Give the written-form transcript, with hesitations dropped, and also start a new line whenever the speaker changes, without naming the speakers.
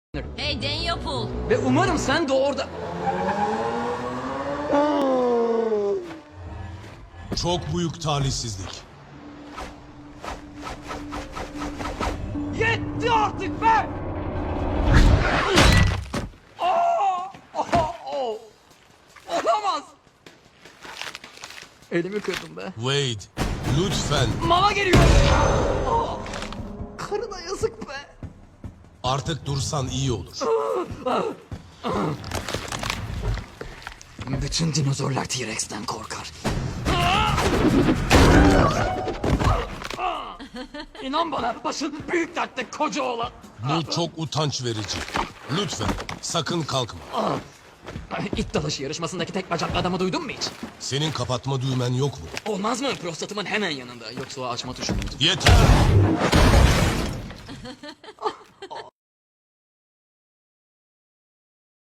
Hey Daniel.
Ve umarım sen de orada...
Çok büyük talihsizlik.
Yetti artık be! Olamaz! Elimi kırdım be.
Wade, lütfen
Mama geliyor! Karına yazık be!
artık dursan iyi olur.
Bütün dinozorlar T-Rex'ten korkar. İnan bana, başın büyük dertte koca oğlan.
Bu çok utanç verici. Lütfen sakın kalkma.
İt dalaşı yarışmasındaki tek bacaklı adamı duydun mu hiç?
Senin kapatma düğmen yok mu?
Olmaz mı? Prostatımın hemen yanında. Yoksa o açma tuşu muydu?
Yeter.